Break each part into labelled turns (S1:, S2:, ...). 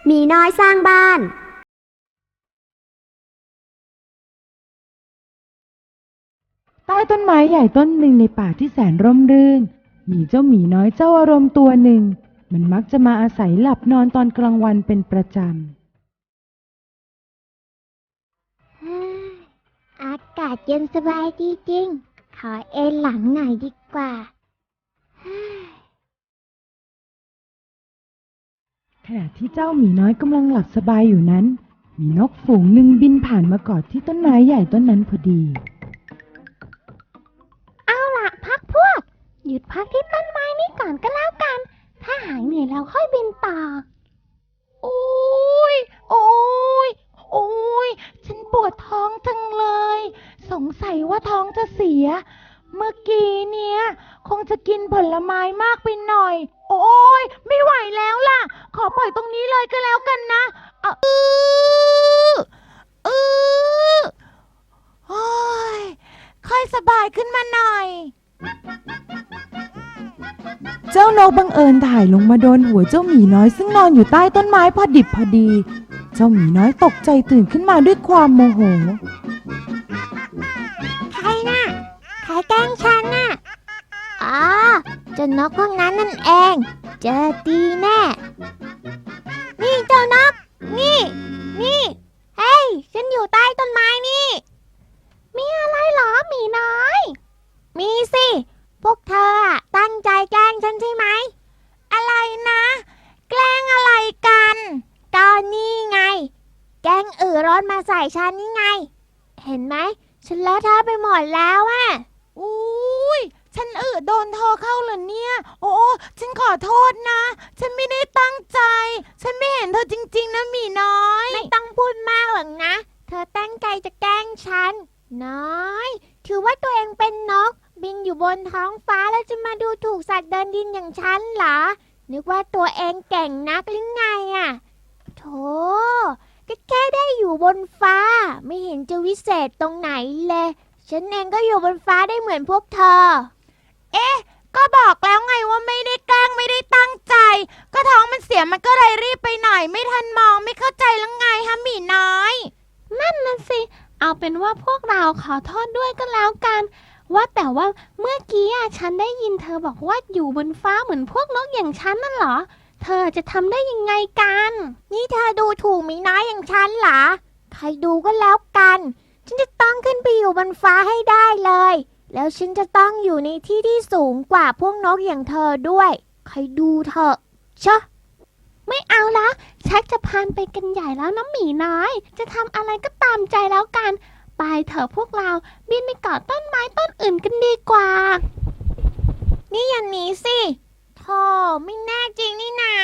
S1: หมีน้อยสร้างบ้าน
S2: ใต้ต้นไม้ใหญ่ต้นหนึ่งในป่าที่แสนร่มรื่นมีเจ้าหมีน้อยเจ้าอารมณ์ตัวหนึ่งมันมักจะมาอาศัยหลับนอนตอนกลางวันเป็นประจ
S3: อากาศเย็นสบายดีจริงขอเอนหลังหน่อยดีกว่า
S2: ขณะที่เจ้าหมีน้อยกำลังหลับสบายอยู่นั้นมีนกฝูงหนึ่งบินผ่านมากอดที่ต้นไม้ใหญ่ต้นนั้นพอดี
S3: เอาล่ะพักพวกหยุดพักที่ต้นไม้นี้ก่อนก็แล้วกันถ้าหายเหนื่อยแล้วค่อยบินต่อโอ้ยฉันปวดท้องจังเลยสงสัยว่าท้องจะเสียเมื่อกี้เนี่ยคงจะกินผลไม้มากไปหน่อยโอ้ยไม่ไหวแล้วล่ะขอปล่อยตรงนี้เลยก็แล้วกันนะโอ้ยค่อยสบายขึ้นมาหน่อย
S2: เจ้านกบังเอิญถ่ายลงมาโดนหัวเจ้าหมีน้อยซึ่งนอนอยู่ใต้ต้นไม้พอดิบพอดีเจ้าหมีน้อยตกใจตื่นขึ้นมาด้วยความโมโห
S3: ใครน่ะใครแกล้งฉันน่ะอ๋อเจ้านกพวกนั้นนั่นเองเจอดีแน่นี่เจ้านกนี่เฮ้ยฉันอยู่ใต้ต้นไม้นี่มีอะไรหรอหมีน้อยมีสิพวกเธอตั้งใจแกล้งฉันใช่ไหมอะไรนะแกล้งอะไรกันก็นี่ไงแกล้งร้อนมาใส่ฉันนี่ไงเห็นไหมฉันเลอะเทอะไปหมดแล้วอะอุ้ยฉันโดนเธอเข้าเหรอเนี่ยโอ้ฉันขอโทษนะฉันไม่ได้ตั้งใจฉันไม่เห็นเธอจริงๆนะหมีน้อยไม่ต้องพูดมากหรอกนะเธอตั้งใจจะแกล้งฉันน้อยถือว่าตัวเองเป็นนกบินอยู่บนท้องฟ้าแล้วจะมาดูถูกสัตว์เดินดินอย่างฉันเหรอนึกว่าตัวเองเก่งนักหรือไงอะโธ่ก็แค่ได้อยู่บนฟ้าไม่เห็นจะวิเศษตรงไหนเลยฉันเองก็อยู่บนฟ้าได้เหมือนพวกเธอก็บอกแล้วไงว่าไม่ได้แกล้งไม่ได้ตั้งใจก็ท้องมันเสียมันก็เลยรีบไปหน่อยไม่ทันมองไม่เข้าใจแล้วไงฮะหมีน้อยนั่นน่ะสิเอาเป็นว่าพวกเราขอโทษด้วยก็แล้วกันว่าแต่ว่าเมื่อกี้ฉันได้ยินเธอบอกว่าอยู่บนฟ้าเหมือนพวกนกอย่างฉันนั่นเหรอเธอจะทำได้ยังไงกันนี่เธอดูถูกหมีน้อยอย่างฉันเหรอใครดูก็แล้วกันฉันจะต้องขึ้นไปอยู่บนฟ้าให้ได้เลยแล้วฉันจะต้องอยู่ในที่ที่สูงกว่าพวกนกอย่างเธอด้วยใครดูเถอะชะไม่เอาละชักจะพานไปกันใหญ่แล้วนะหมีน้อยจะทำอะไรก็ตามใจแล้วกันไปเถอะพวกเราบินไปเกาะต้นไม้ต้นอื่นกันดีกว่านี่อย่างนี้สิโธ่ไม่แน่จริงนี่นา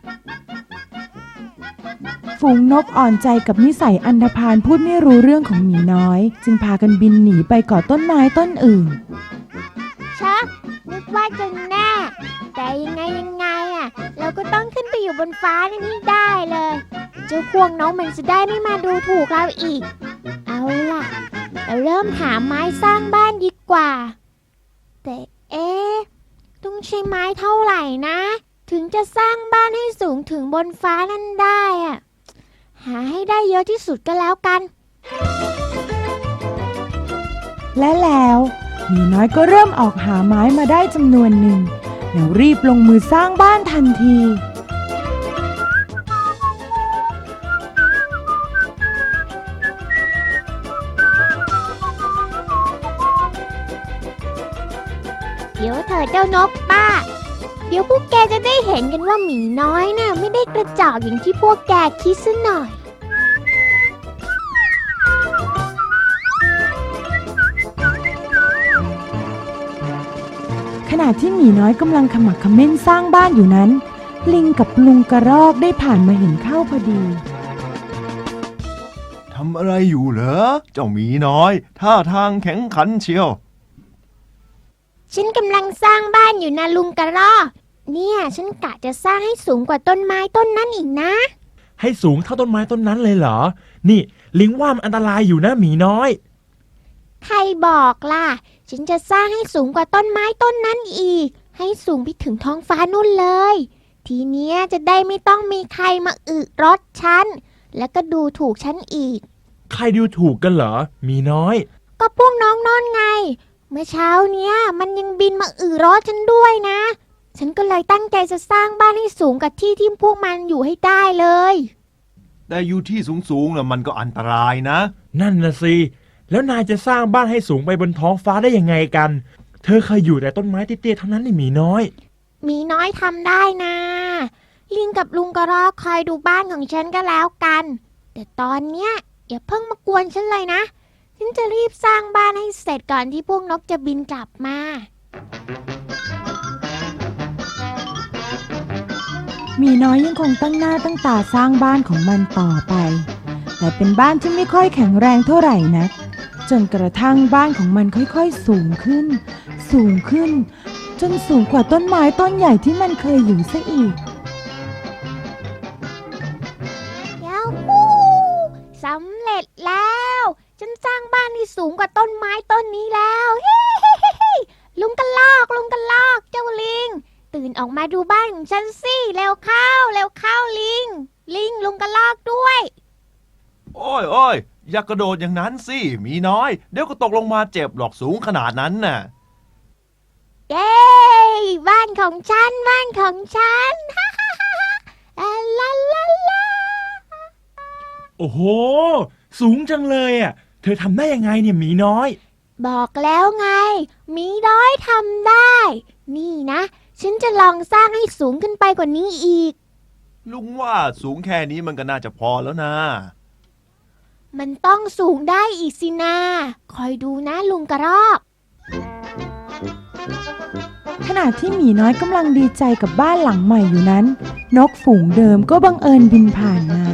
S2: ฝูงนกอ่อนใจกับนิสัยอันธพาลพูดไม่รู้เรื่องของหมีน้อยจึงพากันบินหนีไปเกาะต้นไม้ต้นอื่น
S3: ชักนึกว่าจะแน่แต่ยังไงเราก็ต้องขึ้นไปอยู่บนฟ้านี่ได้เลยเจ้าพวกน้องมันจะได้ไม่มาดูถูกเราอีกเอาล่ะเราเริ่มหาไม้สร้างบ้านดีกว่าแต่ต้องใช้ไม้เท่าไหร่นะถึงจะสร้างบ้านให้สูงถึงบนฟ้านั่นได้หาให้ได้เยอะที่สุดก็แล้วกัน
S2: และแล้วหมีน้อยก็เริ่มออกหาไม้มาได้จำนวนหนึ่งแล้วรีบลงมือสร้างบ้านทันที
S3: เดี๋ยวเธอเจ้านกป้าเดี๋ยวพวกแกจะได้เห็นกันว่าหมีน้อยน่ะไม่ได้กระจอกอย่างที่พวกแกคิดซะหน่อย
S2: ขณะที่หมีน้อยกำลังขมักเขม้นสร้างบ้านอยู่นั้นลิงกับลุงกระรอกได้ผ่านมาเห็นเข้าพอดี
S4: ทำอะไรอยู่เหรอเจ้าหมีน้อยท่าทางแข็งขันเชียว
S3: ฉันกำลังสร้างบ้านอยู่นะลุงกระรอกเนี่ยฉันกะจะสร้างให้สูงกว่าต้นไม้ต้นนั้นอีกนะ
S5: ให้สูงเท่าต้นไม้ต้นนั้นเลยเหรอนี่ลิงว่ามันอันตรายอยู่นะหมีน้อย
S3: ใครบอกล่ะฉันจะสร้างให้สูงกว่าต้นไม้ต้นนั้นอีกให้สูงไปถึงท้องฟ้านู่นเลยทีเนี้ยจะได้ไม่ต้องมีใครมาอึรถฉันแล้วก็ดูถูกฉันอีก
S5: ใครดูถูกกันเหรอหมีน้อย
S3: ก็พวกน้องนอนไงเมื่อเช้าเนี้ยมันยังบินมารถฉันด้วยนะฉันก็เลยตั้งใจจะสร้างบ้านให้สูงกับที่ที่พวกมันอยู่ให้ได้เลย
S4: แต่อยู่ที่สูงๆแล้วมันก็อันตรายนะ
S5: นั่นนะสิแล้วนายจะสร้างบ้านให้สูงไปบนท้องฟ้าได้ยังไงกันเธอเคยอยู่แต่ต้นไม้เตี้ยๆเท่านั้นนี่หมีน้อย
S3: หมีน้อยทำได้นะลิงกับลุงกระรอกคอยดูบ้านของฉันก็แล้วกันแต่ตอนเนี้ยอย่าเพิ่งมากวนฉันเลยนะฉันจะรีบสร้างบ้านให้เสร็จก่อนที่พวกนกจะบินกลับมา
S2: หมีน้อยยังคงตั้งหน้าตั้งตาสร้างบ้านของมันต่อไปแต่เป็นบ้านที่ไม่ค่อยแข็งแรงเท่าไหร่นักจนกระทั่งบ้านของมันค่อยๆสูงขึ้นสูงขึ้นจนสูงกว่าต้นไม้ต้นใหญ่ที่มันเคยอยู่ซะอีก
S3: ยาฮูสำเร็จแล้วฉันสร้างบ้านที่สูงกว่าต้นไม้ต้นนี้แล้วเฮ้ลุงกระลอกเจ้าลิงตื่นออกมาดูบ้านของฉันสิเร็วเข้าลิงลุงกระลอกด้วย
S4: โอ้ยอย่ากระโดดอย่างนั้นสิหมีน้อยเดี๋ยวก็ตกลงมาเจ็บหรอกสูงขนาดนั้นน่ะ
S3: เย้บ้านของฉันฮ่าลาลาลา
S5: โอ้โหสูงจังเลยอ่ะเธอทำได้ยังไงเนี่ยหมีน้อย
S3: บอกแล้วไงหมีน้อยทำได้นี่นะฉันจะลองสร้างให้สูงขึ้นไปกว่านี้อีก
S4: ลุงว่าสูงแค่นี้มันก็น่าจะพอแล้วนะ
S3: มันต้องสูงได้อีกสินะคอยดูนะลุงกระรอก
S2: ขณะที่หมีน้อยกำลังดีใจกับบ้านหลังใหม่อยู่นั้นนกฝูงเดิมก็บังเอิญบินผ่านมา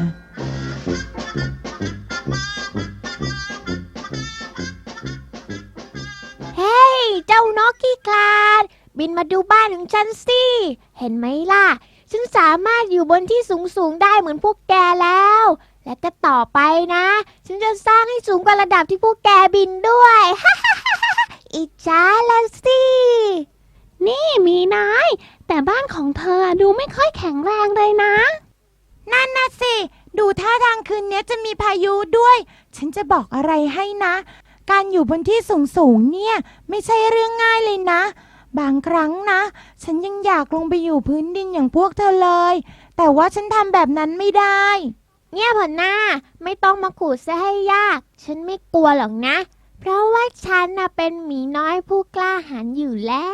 S3: เฮ้ยเจ้านกขี้คลาดบินมาดูบ้านของฉันสิเห็นไหมล่ะฉันสามารถอยู่บนที่สูงได้เหมือนพวกแกแล้วและก็ต่อไปนะฉันจะสร้างให้สูงกว่าระดับที่พวกแกบินด้วยอิจฉาละสิ
S1: นี่มีน้อยแต่บ้านของเธอดูไม่ค่อยแข็งแรงเลยนะ
S2: นั่นน่ะสิดูท่าทางคืนนี้จะมีพายุด้วยฉันจะบอกอะไรให้นะการอยู่บนที่สูงเนี่ยไม่ใช่เรื่องง่ายเลยนะบางครั้งนะฉันยังอยากลงไปอยู่พื้นดินอย่างพวกเธอเลยแต่ว่าฉันทำแบบนั้นไม่ได้
S3: เงียบเถอะหน้าไม่ต้องมาขู่ซะให้ยากฉันไม่กลัวหรอกนะเพราะว่าฉันน่ะเป็นหมีน้อยผู้กล้าหาญอยู่แล้ว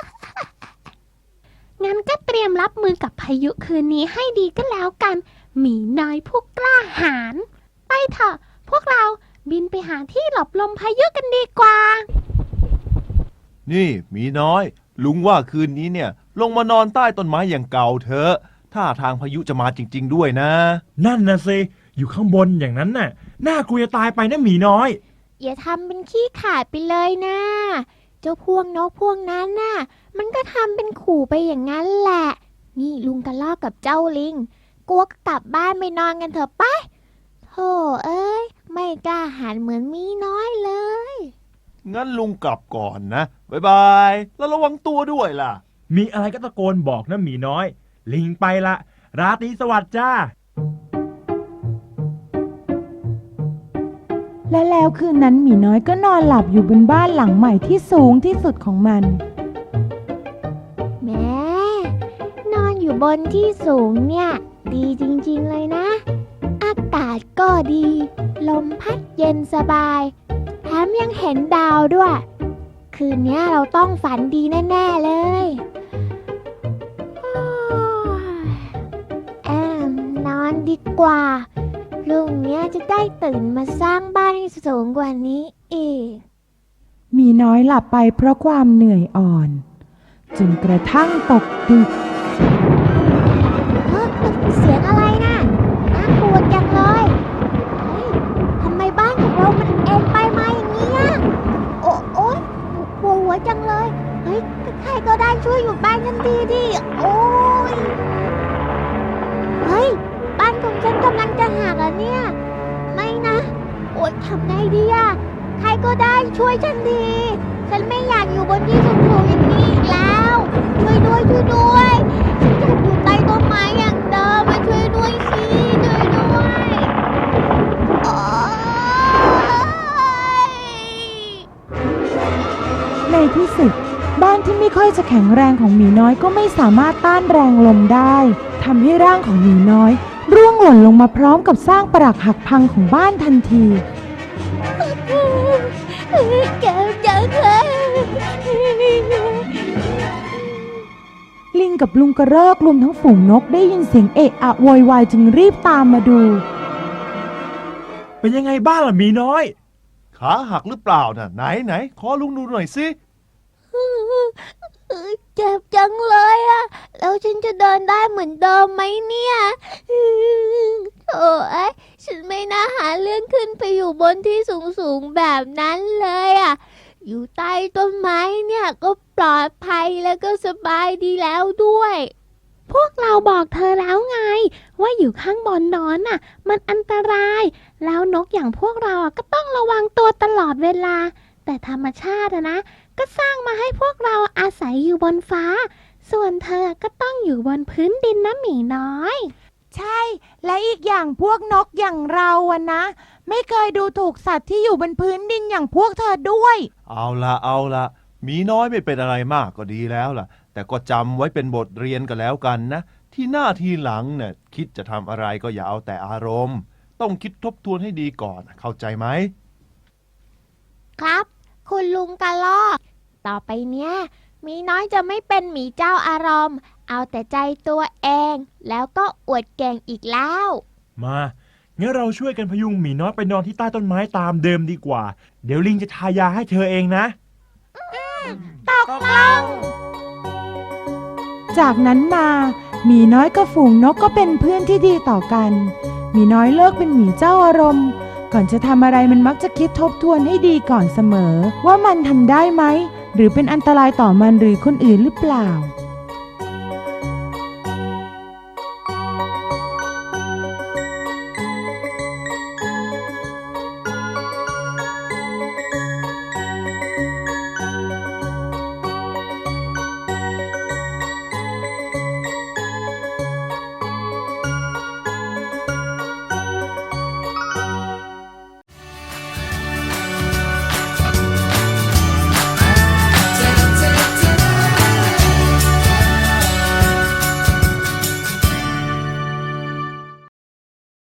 S1: งั้นก็เตรียมรับมือกับพายุคืนนี้ให้ดีก็แล้วกันหมีน้อยผู้กล้าหาญไปเถอะพวกเราบินไปหาที่หลบลมพายุกันดีกว่า
S4: นี่หมีน้อยลุงว่าคืนนี้เนี่ยลงมานอนใต้ต้นไม้อย่างเก่าเถอะท่าทางพายุจะมาจริงๆด้วยนะ
S5: นั่นนะสิอยู่ข้างบนอย่างนั้นน่ะน่ากลัวจะตายไปนะหมีน้อย
S3: อย่าทำเป็นขี้ขาดไปเลยนะเจ้าพวกนกพวกนั้นน่ะมันก็ทำเป็นขู่ไปอย่างนั้นแหละนี่ลุงกระรอกกับเจ้าลิงกลัวก็กลับบ้านไปนอนกันเถอะไปโธ่เอ้ยไม่กล้าหาญเหมือนหมีน้อยเลย
S4: งั้นลุงกลับก่อนนะบ๊ายบายแล้วระวังตัวด้วยล่ะ
S5: มีอะไรก็ตะโกนบอกนะหมีน้อยลิงไปละราตรีสวัสดิ์จ้า
S2: และแล้วคืนนั้นหมีน้อยก็นอนหลับอยู่บนบ้านหลังใหม่ที่สูงที่สุดของมัน
S3: แม่นอนอยู่บนที่สูงเนี่ยดีจริงๆเลยนะอากาศก็ดีลมพัดเย็นสบายแถมยังเห็นดาวด้วยคืนนี้เราต้องฝันดีแน่ๆเลยนอนดีกว่าพรุ่งนี้จะได้ตื่นมาสร้างบ้านให้สูงกว่านี้อีก
S2: หมีน้อยหลับไปเพราะความเหนื่อยอ่อนจนกระทั่งตกดึก
S3: เสียงอะไรน่ะน่ากลัวจังเลยทำไมบ้านของเรามันเอ็นไปมาอย่างนี้อ่ะโอ๊ยปวดหัวจังเลยเฮ้ยใครก็ได้ช่วยอยู่บ้านฉันทีดิโอ๊ยเฮ้ยบ้านของฉันกำลังจะหักอ่ะเนี่ยไม่นะโอ๊ยทำไงดีอ่ะใครก็ได้ช่วยฉันทีฉันไม่อยากอยู่บนที่สูงๆอย่างนี้อีกแล้วช่วยด้วยฉันอยากอยู่ใต้ต้
S2: ที่ไม่ค่อยจะแข็งแรงของหมีน้อยก็ไม่สามารถต้านแรงลมได้ทำให้ร่างของหมีน้อยร่วงหล่นลงมาพร้อมกับสร้างปรักหักพังของบ้านทันที
S3: เจ็บจังเลย
S2: ลิงกับลุงกระรอกรวมทั้งฝูงนกได้ยินเสียงเอะอะโวยวายจึงรีบตามมาดู
S5: เป็นยังไงบ้างล่ะหมีน้อย
S4: ขาหักหรือเปล่าน่ะไหนขอลุงดูหน่อยสิ
S3: เจ็บจังเลยอะแล้วฉันจะเดินได้เหมือนเดิมไหมเนี่ยโถ่เอ้ยฉันไม่น่าหาเรื่องขึ้นไปอยู่บนที่สูงแบบนั้นเลยอะอยู่ใต้ต้นไม้เนี่ยก็ปลอดภัยแล้วก็สบายดีแล้วด้วย
S1: พวกเราบอกเธอแล้วไง ว่าอยู่ข้างบนนอนน่ะ มันอันตราย แล้วนกอย่างพวกเราก็ต้องระวังตัวตลอดเวลา แต่ธรรมชาตินะก็สร้างมาให้พวกเราอาศัยอยู่บนฟ้า ส่วนเธอก็ต้องอยู่บนพื้นดินนะหมีน้อย
S2: ใช่ และอีกอย่างพวกนกอย่างเราอะนะ ไม่เคยดูถูกสัตว์ที่อยู่บนพื้นดินอย่างพวกเธอด้วย
S4: เอาละหมีน้อยไม่เป็นอะไรมากก็ดีแล้วล่ะ แต่ก็จำไว้เป็นบทเรียนกันแล้วกันนะ ที่หน้าทีหลังเนี่ยคิดจะทำอะไรก็อย่าเอาแต่อารมณ์ ต้องคิดทบทวนให้ดีก่อนเข้าใจไหม
S3: ครับ คุณลุงกระรอก ต่อไปเนี้ยหมีน้อยจะไม่เป็นหมีเจ้าอารมณ์ เอาแต่ใจตัวเอง แล้วก็อวดเก่งอีกแล้ว
S5: มางั้นเราช่วยกันพยุงหมีน้อยไปนอนที่ใต้ต้นไม้ตามเดิมดีกว่า เดี๋ยวลิงจะทายาให้เธอเองนะ
S2: ตกลง จากนั้นมาหมีน้อยกับฝูงนกก็เป็นเพื่อนที่ดีต่อกันหมีน้อยเลิกเป็นหมีเจ้าอารมณ์ ก่อนจะทำอะไรมันมักจะคิดทบทวนให้ดีก่อนเสมอ ว่ามันทำได้ไหม หรือเป็นอันตรายต่อมันหรือคนอื่นหรือเปล่า